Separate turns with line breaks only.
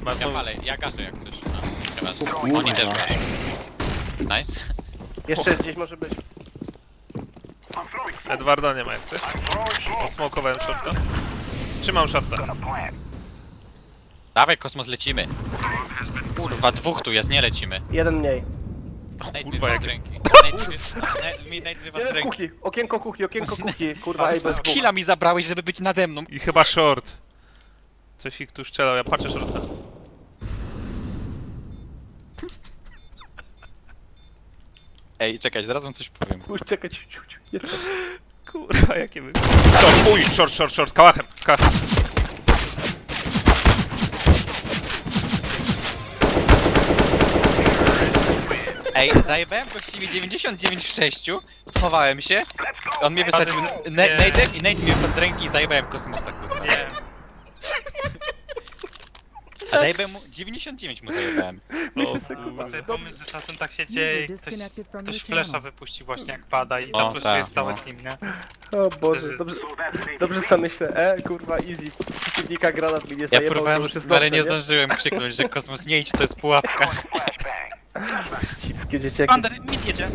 Ja palę, ja gaszę jak coś. No, chyba. Oni też gaszą. Nice.
Jeszcze gdzieś może być.
Edwarda nie ma jak ty. Odsmokowałem shorta. Trzymam shorta.
Dawaj, kosmos, lecimy. Kurwa, dwóch tu jest, nie lecimy.
Jeden mniej.
Nate
kurwa,
wywa
jak-
z ręki. Nate wywa z
Jeden w
ręki.
kuchni. Okienko kuchni. Kurwa, ej, bez dwóch.
Skilla mi zabrałeś, żeby być nade mną.
I chyba short. Coś ich tu strzelał, ja patrzę shorta.
Ej, czekaj, zaraz wam coś powiem.
Musisz czekać.
Kurwa, jakie wy... Short, z kałachem,
Ej, zajebałem gościwie 99 w 6, schowałem się, on mnie wysadził Nate'em i Nate mnie wpadł z ręki i zajebałem kosmosa, kurwa.
Nie.
A zajebałem mu... 99 mu zajebałem.
Chyba sobie pomysł, że czasem tak się dzieje i ktoś flesza wypuści właśnie jak pada i
O,
zafleszuje
tak,
w cały
no.
team, nie?
O Boże, dobrze sam myślę. Kurwa, easy. Przeciwnika granat mi nie
Ja
zajebał,
próbowałem,
to już jest
ale
dobrze,
nie zdążyłem krzyknąć, że kosmos nie idź, to jest pułapka.
Cipskie dzieciaki.
Under, mid jedzie.